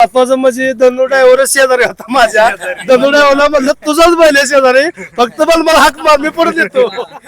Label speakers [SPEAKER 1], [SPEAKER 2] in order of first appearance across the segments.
[SPEAKER 1] महत्वाचं म्हणजे धनु ड्रायव्हर शेजारी होता माझ्या. धनु ड्रायव्हरला म्हणलं तुझाच बैल आहे शेजारी, फक्त मला हाक मार, मी परत येतो.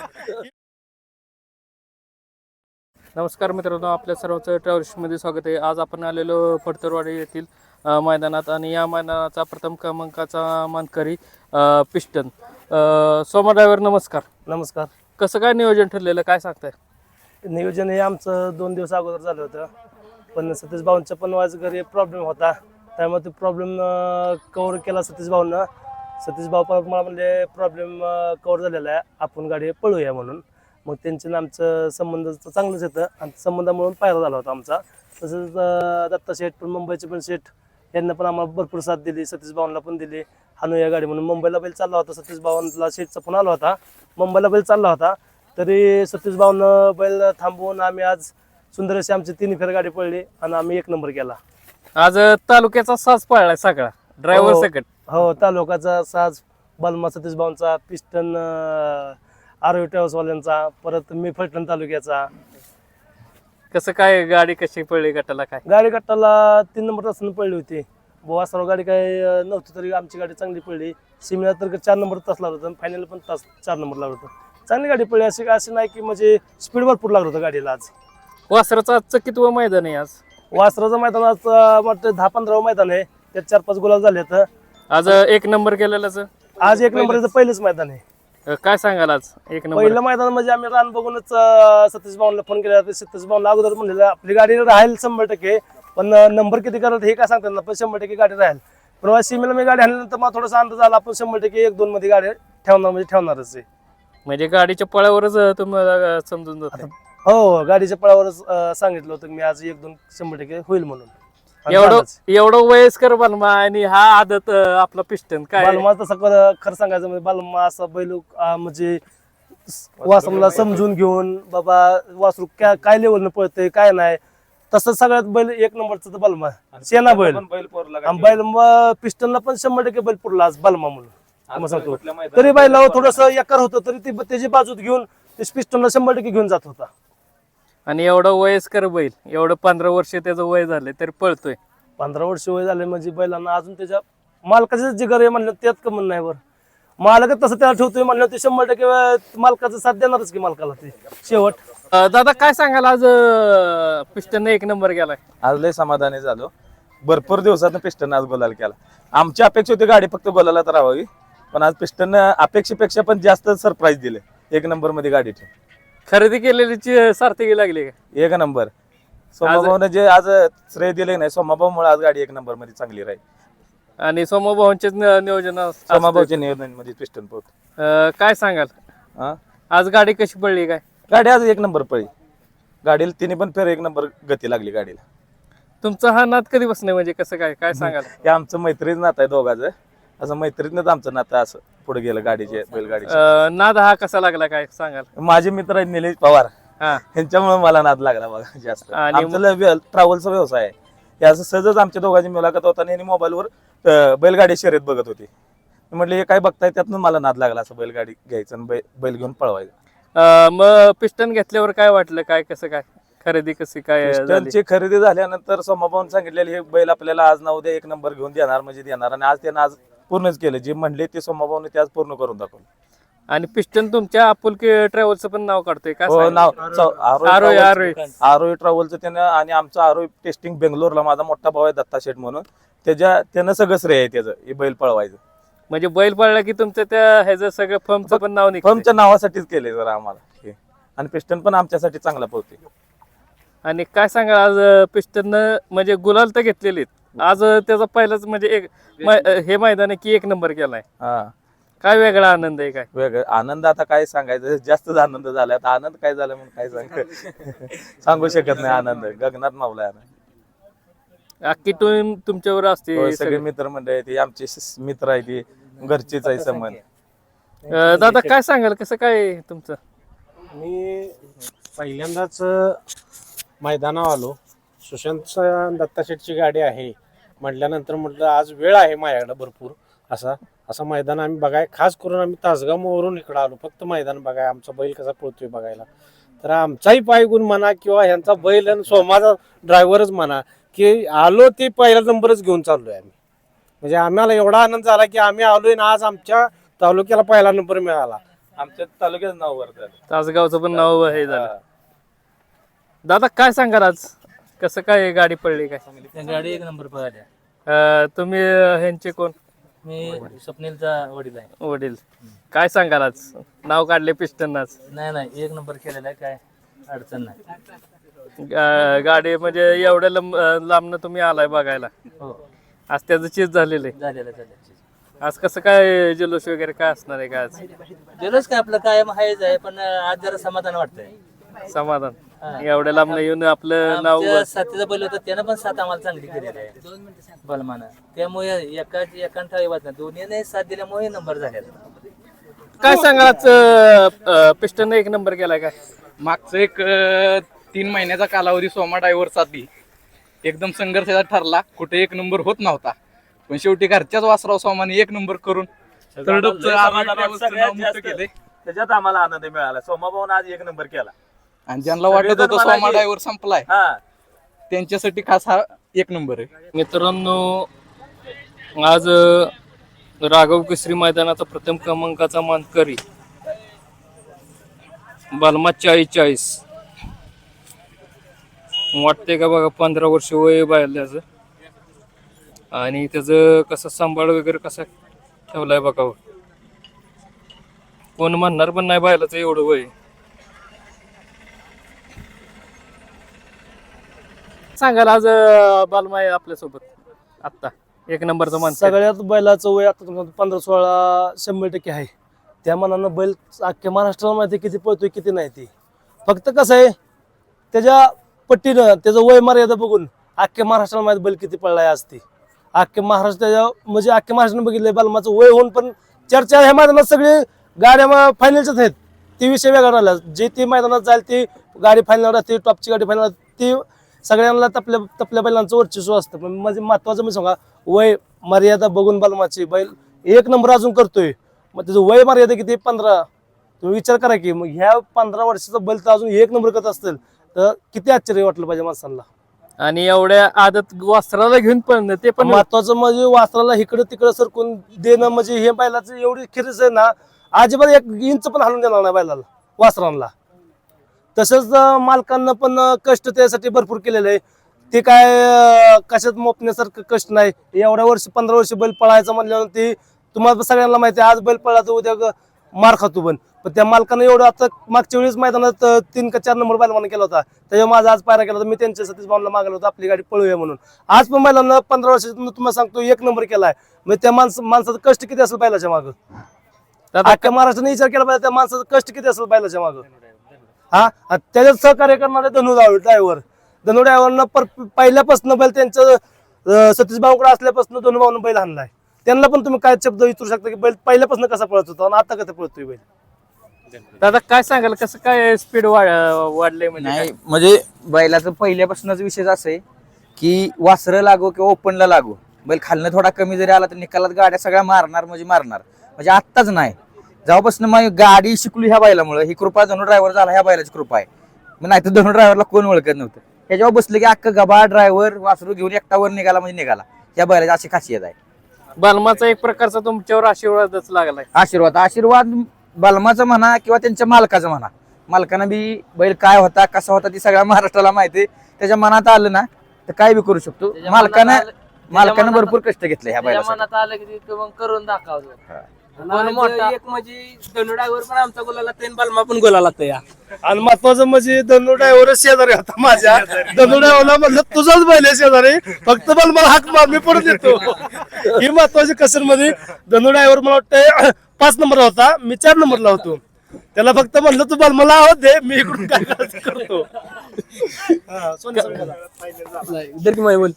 [SPEAKER 2] नमस्कार मित्रांनो, आपल्या सर्वांचं ट्रॅव्हल्समध्ये स्वागत आहे. आज आपण आलेलो फडतरवाडी येथील मैदानात आणि या मैदानाचा प्रथम क्रमांकाचा मानकरी पिस्टन. सोमा ड्रायव्हर नमस्कार.
[SPEAKER 1] नमस्कार.
[SPEAKER 2] कसं काय नियोजन ठरलेलं, काय सांगताय?
[SPEAKER 1] नियोजन हे आमचं 2 दिवस अगोदर झालं होतं, पण सतीश भाऊंचा पण आज घरी प्रॉब्लेम होता, त्यामुळे तो प्रॉब्लेम कव्हर केला सतीश भाऊंना. सतीश भाऊ पण मला म्हणजे प्रॉब्लेम कव्हर झालेला आहे, आपण गाडी पळूया म्हणून. मग त्यांचं आमचं संबंध चांगलंच येतं आणि संबंधामुळे पायरा झाला होता आमचा. तसंच दत्ता शेठ पण, मुंबईचे पण शेठ, यांना पण आम्हाला भरपूर साथ दिली, सतीश भाऊंना पण दिली. हानू या गाडी म्हणून मुंबईला बैल चालला होता, सतीश भाऊंना शेठचा फोन आला होता, मुंबईला बैल चालला होता, तरी सतीश भाऊनं बैल थांबवून आम्ही आज सुंदर अशी आमची 3 फेर गाडी पडली आणि आम्ही 1 नंबर केला.
[SPEAKER 2] आज तालुक्याचा साज पळलाय सगळा, ड्रायव्हर सकट.
[SPEAKER 1] हो, तालुक्याचा साज बलमा सतीश भाऊंचा, पिस्टन आरोग्य ट्रॅव्हल्सवाल्यांचा, परत मी फलटण तालुक्याचा.
[SPEAKER 2] कसं काय गाडी कशी पडली, गटाला काय?
[SPEAKER 1] गाडी गटाला 3 नंबर तासानं पडली होती. सर्व गाडी काय नव्हती तरी आमची गाडी चांगली पडली. सिमीला तर 4 नंबर तास लागला होता, फायनल पण 4 नंबर लागला होता. चांगली गाडी पडली, अशी नाही की म्हणजे स्पीड भरपूर लागलं होतं गाडीला. आज
[SPEAKER 2] वासराचं आजचं कितवं मैदान आहे? आज
[SPEAKER 1] वासराचं मैदान आज वाटतं 10-15वं मैदान आहे, त्यात 4-5 गुलाल झाले.
[SPEAKER 2] आज 1 नंबर केलेलाच
[SPEAKER 1] आज 1 नंबरचं पहिलंच मैदान आहे.
[SPEAKER 2] काय सांगाल आज 1 नंबर?
[SPEAKER 1] पहिलं मैदान म्हणजे आम्ही रान बघूनच सतीश भाऊंना फोन केला. सतीश भाऊंना अगोदर म्हणलेलं आपली गाडी राहील 100%, पण नंबर किती करत हे काय सांगतात ना, पण 100% गाडी राहील. पण सीमेला मी गाडी आणल्यानंतर मला थोडासा अंदाज आला, आपण 100% 1-2 मध्ये गाडी ठेवणार म्हणजे ठेवणारच आहे.
[SPEAKER 2] म्हणजे गाडीच्या पळावरच तुम्हाला समजून जातं?
[SPEAKER 1] हो, गाडीच्या पळावरच सांगितलं होतं मी आज 1-2 100% होईल म्हणून.
[SPEAKER 2] एवढं वयस्कर बालमा आणि हा आदत आपला पिस्टन काय?
[SPEAKER 1] बालमा तसं खरं सांगायचं म्हणजे बालमा असा बैल म्हणजे वासरूला समजून घेऊन, बाबा वासरू काय लेवलनं पळतंय काय नाही, तसं सगळ्यात बैल 1 नंबरचं तर बालमा शेना बैल. बैल पिस्टनला पण 100% बैल पुरला आज बालमा म्हणून सांगतो. तरी बैलावर थोडस एकार होतं, तरी ती त्याची बाजूत घेऊन ते पिस्टनला 100% घेऊन जात होता.
[SPEAKER 2] आणि एवढं वयस्कर बैल, एवढं 15 वर्ष त्याचं वय झालंय तरी पळतोय.
[SPEAKER 1] 15 वर्ष वय झाले म्हणजे बैलांना अजून त्याच्या मालकाचं जिगर आहे म्हणलं त्यात कमन नाही. वर मालकच तसं त्याला ठेवतोय म्हणलं ते 100% मालकाचं साथ देणारच की मालकाला ते शेवट.
[SPEAKER 2] दादा काय सांगाल, आज पिस्टन 1 नंबर गेलाय?
[SPEAKER 3] आज लय समाधानी झालो, भरपूर दिवसात पिस्टन आज गोलाल केला. आमची अपेक्षा होती गाडी फक्त गोलालाच राहावी, पण आज पिस्टन अपेक्षेपेक्षा पण जास्त सरप्राईज दिले. 1 नंबर मध्ये गाडी ठेव
[SPEAKER 2] खरेदी केलेली सार्थकी लागली का?
[SPEAKER 3] 1 नंबर. सोमाभाऊने जे आज श्रेय दिले नाही, सोमाभाऊमुळे आज गाडी 1 नंबर मध्ये चांगली राहील.
[SPEAKER 2] आणि सोमाभाऊंचे नियोजन
[SPEAKER 3] सोमाभाऊच्या नियोजन मध्ये पिस्टन पोहोच.
[SPEAKER 2] काय सांगाल, आज गाडी कशी पडली काय?
[SPEAKER 3] गाडी आज 1 नंबर पळी. गाडीला तिने पण फेर 1 नंबर गती लागली गाडीला.
[SPEAKER 2] तुमचा हा नाद कधी बसणे म्हणजे कसं काय सांगाल?
[SPEAKER 3] हे आमचं मैत्रीच नातं आहे दोघांचं, असं मैत्रीतच आमचं नातं असं पुढे गेलं गाडीचे बैलगाडीचे.
[SPEAKER 2] नाद हा कसा लागला काय सांगाल?
[SPEAKER 3] माझे मित्र आहेत निलेश पवार, यांच्यामुळे मला नाद लागला बघा जास्त. आमचं ट्रॅव्हलचा व्यवसाय आहे, हे असं सहजच आमच्या दोघांची मुलाखत होता आणि मोबाईलवर बैलगाडी शर्यत बघत होती. म्हटलं हे काय बघताय, त्यातनं मला नाद लागला असं बैलगाडी घ्यायचं आणि बैल घेऊन पळवायचं.
[SPEAKER 2] मग पिस्टन घेतल्यावर काय वाटलं, काय कसं काय खरेदी कशी काय झाली?
[SPEAKER 3] पिस्टनची खरेदी झाल्यानंतर सोमाभाऊन सांगितलेले हे बैल आपल्याला आज ना उद्या 1 नंबर घेऊन देणार म्हणजे देणार, आणि आज त्यांना आज पूर्णच केलं. जे म्हणले ते सोमाभाऊने ते आज पूर्ण करून दाखवलं.
[SPEAKER 2] आणि पिस्टन तुमच्या आपुलकी ट्रॅव्हलचं पण नाव काढतोय का?
[SPEAKER 3] नाव
[SPEAKER 2] आरोही
[SPEAKER 3] ट्रॅव्हलचं त्यानं, आणि आमचं आरोही टेस्टिंग बेंगलोरला माझा मोठा भाऊ आहे दत्ता शेठ म्हणून, त्यानं सगळं श्रेय आहे त्याचं हे बैल पळवायचं.
[SPEAKER 2] म्हणजे बैल पळला की तुमचं त्या ह्याचं सगळं फर्मचं पण नाव निघतं.
[SPEAKER 3] फर्मच्या नावासाठीच केले जरा आम्हाला, आणि पिस्टन पण आमच्यासाठी चांगला पळते.
[SPEAKER 2] आणि काय सांगा, आज पिस्टन म्हणजे गुलाल तर घेतलेले, आज त्याचा पहिलाच म्हणजे हे मैदान आहे की 1 नंबर केलाय. काय वेगळा आनंद आहे? काय
[SPEAKER 3] वेगळं आनंद आता काय सांगायचं, जास्तच आनंद झालाय. आता आनंद काय झाला म्हणून काय सांगू शकत नाही. आनंद गगनात मावलाय.
[SPEAKER 2] अख्खी टीम तुमच्यावर असते,
[SPEAKER 3] सगळे मित्र मंडळी ती आमचे मित्र आहे, ती घरचेच आहे संबंध.
[SPEAKER 2] दादा काय सांगाल, कसं काय तुमचं?
[SPEAKER 4] मी पहिल्यांदाच मैदानावर आलो, सुशांत दत्ता शेठची गाडी आहे म्हटल्यानंतर म्हटलं आज वेळ आहे माझ्याकडे भरपूर, असं मैदान आम्ही बघाय, खास करून आम्ही तासगाववरून इकडं आलो फक्त मैदान बघाय, आमचा बैल कसा पळतोय बघायला. तर आमचाही पायगुण म्हणा किंवा ह्यांचा बैल आणि सोमाचा ड्रायव्हरच म्हणा, की आलो ते पहिला नंबरच घेऊन चाललोय आम्ही. म्हणजे आम्हाला एवढा आनंद झाला की आम्ही आलोय ना आज आमच्या तालुक्याला पहिला नंबर मिळाला.
[SPEAKER 3] आमच्या तालुक्यात नाव वर झालं.
[SPEAKER 2] तासगावचं पण नाव हे झालं. दादा काय सांगाल आज कसं काय गाडी पडली काय?
[SPEAKER 5] गाडी एक नंबर पळाल्या.
[SPEAKER 2] तुम्ही ह्यांचे कोण?
[SPEAKER 5] मी स्वप्नीलचा वडील आहे.
[SPEAKER 2] वडील. काय सांगाल आज नाव काढले पिस्टन आज?
[SPEAKER 5] नाही एक नंबर केलेला आहे, काय अडचण नाही.
[SPEAKER 2] गाडी म्हणजे एवढ्या लांबनं तुम्ही आलाय बघायला.
[SPEAKER 5] हो
[SPEAKER 2] आज त्याचं चीज झालेलं आहे.
[SPEAKER 5] झालेलं.
[SPEAKER 2] आज कसं काय जल्लोष वगैरे काय असणार आहे का आज?
[SPEAKER 5] गेलोच काय आपलं कायम आहेच आहे, पण आज जरा समाधान वाटतंय.
[SPEAKER 2] समाधान. एवढ्या लांबनं येऊन आपलं नाव
[SPEAKER 5] आमच्या साथीचा बैल होता त्यानं पण साथ आम्हाला चांगली केलेली आहे बलमानं. त्यामुळे एकांठा वाद नाही, दोन्हीने साथ दिल्यामुळे नंबर झालेला.
[SPEAKER 2] काय सांगाल आज पिस्टन एक नंबर केलाय काय?
[SPEAKER 6] मागचं एक 3 महिन्याचा कालावधी सोमा ड्रायव्हरसाठी एकदम संघर्षाचा ठरला. कुठे एक नंबर होत नव्हता, पण शेवटी घरच्याच वासराव सोमाने एक नंबर करून
[SPEAKER 3] त्याच्यात आम्हाला आनंद मिळाला. सोमाभाऊन आज एक नंबर केला
[SPEAKER 6] आणि ज्यांना वाटत होतं सोमा ड्रायव्हर संपलाय
[SPEAKER 3] हा
[SPEAKER 6] त्यांच्यासाठी खास हा एक नंबर आहे.
[SPEAKER 2] मित्रांनो, आज राघव केसरी मैदानाचा प्रथम क्रमांकाचा मानकरी बलमा 40 वाटते का बघा. 15 वर्ष वय बायल्याचं आणि त्याचं कसं सांभाळ वगैरे कसा ठेवलाय बघा. कोण म्हणणार पण नाही बायलाचं एवढं वय. सांगाल आज बालमा आहे आपल्यासोबत आत्ता एक नंबरचा मान.
[SPEAKER 1] सगळ्यात बैलाचं वय आता तुमचं 15-16 100% आहे. त्या मनानं बैल अख्ख्या महाराष्ट्राला माहिती किती पळतोय किती नाही ती. फक्त कसं आहे त्याच्या पट्टीनं त्याचं वय मर्यादा बघून अख्ख्या महाराष्ट्राला माहिती बैल किती पळलाय आज ती. अख्ख्या महाराष्ट्राच्या म्हणजे अख्ख्या महाराष्ट्रानं बघितलंय बालमाचं वय होऊन पण चर्चा ह्या मैदानात सगळे गाड्या फायनलच्याच आहेत. ती विषय वेगळा राहिला. जे ती मैदानात जाईल ती गाडी फायनल राहते, टॉपची गाडी फायनल ती सगळ्यांना तपल्या बैलांचं वर्चस्व असतं. पण म्हणजे महत्वाचं मी सांगा वय मर्यादा बघून बालमाची बैल एक नंबर अजून करतोय. मग त्याचं वय मर्यादा किती? 15. तुम्ही विचार करा की मग ह्या 15 वर्षाचा बैल तर अजून एक नंबर करत असतील तर किती आश्चर्य वाटलं पाहिजे माणसांना.
[SPEAKER 2] आणि एवढ्या आदत वासराला घेऊन पण ते पण
[SPEAKER 1] महत्वाचं म्हणजे वासराला इकडं तिकडं सरकून देणं म्हणजे हे बैलाचं एवढी खिरीच आहे ना, अजिबात 1 इंच पण हलून देणार नाही बैलाला वासरांना. तसंच मालकांना पण कष्ट त्यासाठी भरपूर केलेलं आहे. ते काय कशात मोपण्यासारखं कष्ट नाही. एवढ्या वर्ष 15 वर्ष बैल पळायचं म्हणल्यावर ते तुम्हाला सगळ्यांना माहिती आहे. आज बैल पळला तर उद्या मार खातो पण त्या मालकानं एवढं आता मागच्या वेळेस मैदानात 3 का 4 नंबर बैलवाना केला होता. त्याच्यावर माझा आज पायरा केला होता. मी त्यांच्या सतीश भाऊला मागवलं होतं आपली गाडी पळूया म्हणून. आज पण बैलांना 15 वर्षातून तुम्हाला सांगतो 1 नंबर केलाय. म्हणजे त्या माणसाचं कष्ट किती असेल बैलाच्या मागं. अख्ख्या महाराष्ट्राने विचार केला पाहिजे त्या माणसाचं कष्ट किती असेल बैलाच्या मागं. हा त्याच्यात सहकार्य करणारे धनु ड्रायव्हरनं पहिल्यापासून बैल त्यांचं सतीश भाऊकडे असल्यापासून धनु भाऊनं बैल आणलाय. त्यांना पण तुम्ही काय शब्द विचारू शकता की बैल पहिल्यापासून कसा पळत होता आणि आता कसं पळतोय बैल.
[SPEAKER 2] दादा काय सांगाल कसं काय स्पीड वाढले म्हणजे
[SPEAKER 7] नाही म्हणजे बैलाचं पहिल्यापासूनच विषय असं आहे की वासरं लागो किंवा ओपनला लागो बैल खालनं थोडा कमी जरी आला तर निकालात गाड्या सगळ्या मारणार म्हणजे आत्ताच नाही. जेव्हापासून मग गाडी शिकली ह्या बैलामुळे ही कृपा धनु ड्रायव्हर झाला ह्या बैलाची कृपा आहे. मग नाही तर धनु ड्रायव्हरला कोण ओळखत नव्हतं. ह्याच्यावर बसलं की अख्खा गबा ड्रायव्हर वासरू घेऊन एकटावर निघाला म्हणजे निघाला. या बैलाची अशी खासियत आहे.
[SPEAKER 2] बालमाचा एक प्रकारचा तुमच्यावर आशीर्वादच लागलाय.
[SPEAKER 7] आशीर्वाद बलमाचा म्हणा किंवा त्यांच्या मालकाचा म्हणा. मालकानं बी बैल काय होता कसा होता ती सगळ्या महाराष्ट्राला माहिती आहे. त्याच्या मनात आलं ना तर काय बी करू शकतो. मालकानं भरपूर कष्ट घेतले ह्या बैलासाठी.
[SPEAKER 5] मनात आलं की ते मग करून दाखवतो.
[SPEAKER 8] एक म्हणजे धनु ड्रायव्हर पण आमचा गोलाला तेन बलमा पण गोलाला तया.
[SPEAKER 1] आणि महत्वाचं म्हणजे धनु ड्रायव्हर शेजारी होता माझ्या. धनु ड्रायव्हरला म्हणलं तुझाच बैल आहे शेजारी, फक्त मला हाक मार मी परत येतो. ही महत्वाची कसर मध्ये धनु ड्रायव्हर मला वाटतं 5 नंबरला होता, मी 4 नंबरला होतो. त्याला फक्त म्हणलं तू मला आवाज दे मी इकडून काय करायचं करतो.
[SPEAKER 8] दर की माय बोल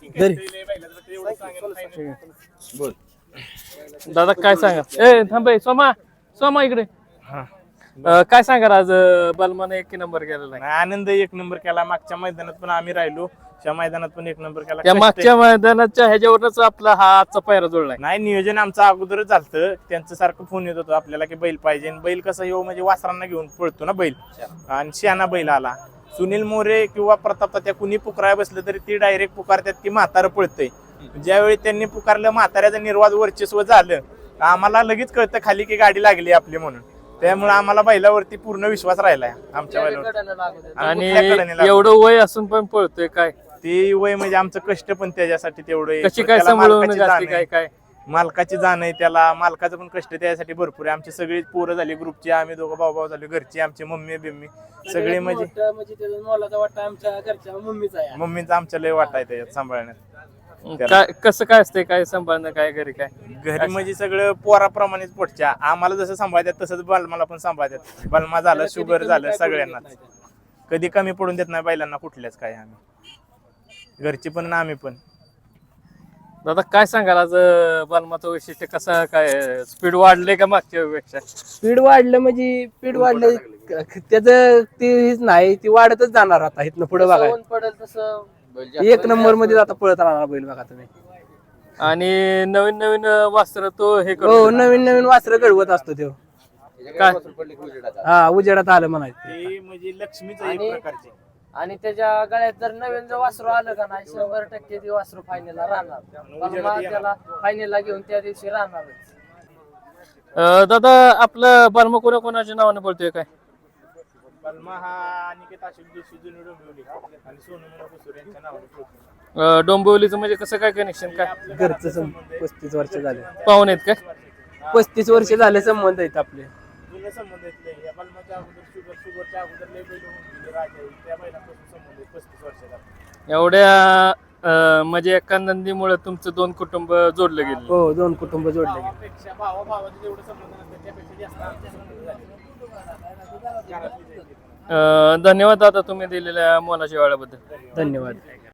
[SPEAKER 8] दर
[SPEAKER 2] दादा काय सांगा. थांबे सोमा इकडे. काय सांगा आज बलमाने 1 नंबर केलेला आहे.
[SPEAKER 3] आनंद 1 नंबर केला. मागच्या मैदानात पण आम्ही राहिलो, त्या मैदानात पण 1 नंबर केला.
[SPEAKER 2] त्या मागच्या मैदानाच्या ह्याच्यावरच आपला हा आजचा पायरा जोडलाय.
[SPEAKER 3] नाही नियोजन आमचं अगोदरच झालं. त्यांचं सारखं फोन येत होतं आपल्याला की बैल पाहिजे. बैल कसं येऊ म्हणजे वासरांना घेऊन पळतो ना बैल आणि शहाणा बैल आला. सुनील मोरे किंवा प्रताप त्या कुणी पुकाराय बसलं तरी ती डायरेक्ट पुकारतात की म्हातारं पळतंय. ज्यावेळी त्यांनी पुकारलं म्हाताऱ्याचं निर्वाद वर्चस्व झालं आम्हाला लगेच कळतं खाली की गाडी लागली आपली म्हणून. त्यामुळे आम्हाला बैलावरती पूर्ण विश्वास राहिलाय आमच्या बैलावर.
[SPEAKER 2] आणि एवढं वय असून पण पळतोय काय
[SPEAKER 3] ते वय म्हणजे आमचं कष्ट पण त्याच्यासाठी तेवढं
[SPEAKER 2] कशी काय सांभाळून घालते काय काय
[SPEAKER 3] मालकाची जाण आहे त्याला. मालकाचं पण कष्ट त्यासाठी भरपूर आहे. आमची सगळी पोरं झाली ग्रुपची, आम्ही दोघं भाऊ झालो, घरची आमची मम्मी बिम्मी सगळे म्हणजे
[SPEAKER 8] त्याचा मोलाचा वाटा आमच्या घरच्या मम्मीचा आहे.
[SPEAKER 3] मम्मीचा आमच्या लय वाटा आहे त्याच्यात सांभाळण्यात.
[SPEAKER 2] काय कसं काय असते काय सांभाळणं काय घरी काय
[SPEAKER 3] घरी म्हणजे सगळं पोराप्रमाणेच पोटच्या आम्हाला जसं सांभाळतात तसंच बलमाला पण सांभाळतात. बलमा झालं शुगर झालं सगळ्यांनाच कधी कमी पडून देत नाही बैलांना कुठल्याच काय. आम्ही घरची पण आणि आम्ही पण.
[SPEAKER 2] दादा काय सांगाल आज बलमाचं वैशिष्ट्य कसं काय स्पीड वाढले का मागच्या पेक्षा
[SPEAKER 8] स्पीड वाढलं म्हणजे स्पीड वाढलं त्याचं ते नाही ती वाढतच जाणार आता इथनं पुढे बघा. एक नंबर मध्ये आता पळत राहणार बैल बघा तुम्ही.
[SPEAKER 2] आणि नवीन नवीन वास्त्र तो हे
[SPEAKER 8] हो
[SPEAKER 2] करतो
[SPEAKER 8] नवीन नवीन वासरं घडवत असतो तो.
[SPEAKER 2] काय
[SPEAKER 8] हा उजेडात आलं म्हणायचं.
[SPEAKER 3] ते म्हणजे लक्ष्मीचं एक प्रकारचे.
[SPEAKER 9] आणि त्याच्या गळ्यात जर नवीन जर वासरू आलं का नाही 100% ते वासरू फायनलला राहणार. त्याला फायनलला घेऊन त्या दिवशी राहणारच.
[SPEAKER 2] दादा आपलं बलमा कोणाच्या नावाने बोलतोय काय
[SPEAKER 3] बलमा हा अनिकेत आशिष जोशी जुनी डोंबिवली आणि सोनू मुना कुसूर यांच्या नावाने बोलतो.
[SPEAKER 2] डोंबिवलीचं म्हणजे कसं काय कनेक्शन काय
[SPEAKER 8] घरचं 35 वर्ष झाले.
[SPEAKER 2] पाहुणे आहेत काय
[SPEAKER 8] 35 वर्ष झाले संबंध आहेत आपले.
[SPEAKER 3] जुने संबंध आहेत लय. या बलमाच्या अगोदर शुगरच्या अगोदर लय बैल होऊन गेले राजा त्या बैलांपासून संबंध आहेत 35 वर्षाचा.
[SPEAKER 2] एवढ्या म्हणजे एका नंदीमुळे तुमचं 2 कुटुंब जोडलं गेलं.
[SPEAKER 8] हो 2 कुटुंब जोडले गेले.
[SPEAKER 3] भावापेक्षा भावाभावाचे जेवढे संबंध नसतात त्यापेक्षा जास्त आमचे संबंध झाले.
[SPEAKER 2] धन्यवाद दादा तुम्ही दिलेल्या मोलाच्या वेळाबद्दल.
[SPEAKER 8] धन्यवाद.